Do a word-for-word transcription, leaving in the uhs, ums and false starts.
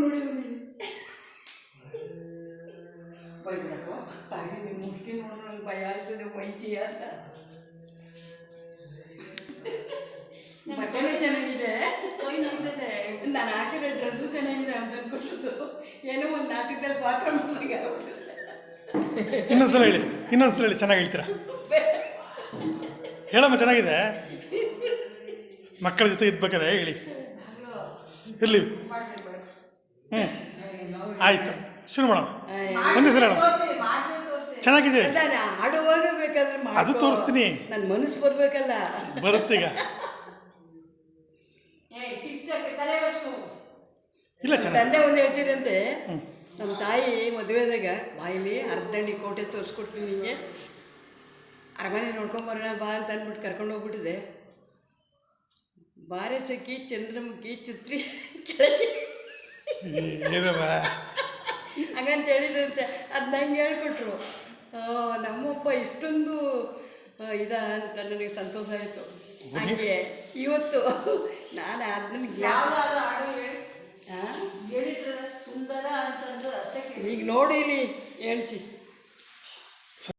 ಬೈಬಿಡಪ್ಪ ತಾಯಿ ನಿಮ್ಮ ಮುಷ್ಟಿ ನೋಡಿದ್ರೆ ನಂಗೆ ಭಯ ಆಯ್ತದೆ ಬೈತೀಯ ಅಂತ. ಬಟ್ಟೆನೂ ಚೆನ್ನಾಗಿದೆ, ನಾನು ಹಾಕಿರೋ ಡ್ರೆಸ್ಸು ಚೆನ್ನಾಗಿದೆ ಅಂತ ಅನ್ಕೊಟ್ಟು ಏನೋ ಒಂದು ನಾಟಕದಲ್ಲಿ ಪಾತ್ರ ಮಾಡಿದಾಗ ಇನ್ನೊಂದ್ಸಲ ಹೇಳಿ ಇನ್ನೊಂದ್ಸಲ ಹೇಳಿ ಚೆನ್ನಾಗಿ ಹೇಳ್ತೀರಾ ಹೇಳಮ್ಮ. ಚೆನ್ನಾಗಿದೆ, ಮಕ್ಕಳ ಜೊತೆ ಇರ್ಬೇಕಾರೆ ಹೇಳಿ. ಇರಲಿ, ಹ್ಞೂ ಆಯಿತು, ಶುರು ಮಾಡೋಣ. ಒಂದೇ ಸಲ ಚೆನ್ನಾಗಿದೆ, ಆಡುವಾಗ ಬೇಕಾದ್ರೆ ಅದು ತೋರಿಸ್ತೀನಿ. ನನ್ನ ಮನಸ್ಸು ಬರಬೇಕಲ್ಲ, ಬರುತ್ತೀಗ. ಇಲ್ಲ, ತಂದೆ ಒಂದು ಹೇಳ್ತೀರಂತೆ, ನಮ್ಮ ತಾಯಿ ಮದುವೆದಾಗ ಬಾಯಿಲಿ ಅರ್ಧಂಡಿ ಕೋಟೆ ತೋರಿಸ್ಕೊಡ್ತೀನಿ ನಿಮಗೆ, ಅರಮನೆ ನೋಡ್ಕೊಂಬರೋಣ ಬಾ ಅಂತ ಅಂದ್ಬಿಟ್ಟು ಕರ್ಕೊಂಡು ಹೋಗ್ಬಿಟ್ಟಿದೆ. ಬಾರೆ ಸಖಿ ಚಂದ್ರಮುಖಿ ಚಿತ್ರಿ ಕೆಳಗೆ ಹಂಗಂತ ಹೇಳಿದ್ರಂತೆ. ಅದು ನಂಗೆ ಹೇಳ್ಕೊಟ್ರು. ನಮ್ಮಪ್ಪ ಇಷ್ಟೊಂದು ಇದ ಅಂತ ನನಗೆ ಸಂತೋಷ ಆಯಿತು. ಹಾಗೆ ಇವತ್ತು ನಾನು ಅದನ್ನ ಸುಂದರ ಅಂತಂದು ಈಗ ನೋಡಿ ಇಲ್ಲಿ ಹೇಳ್ತಿ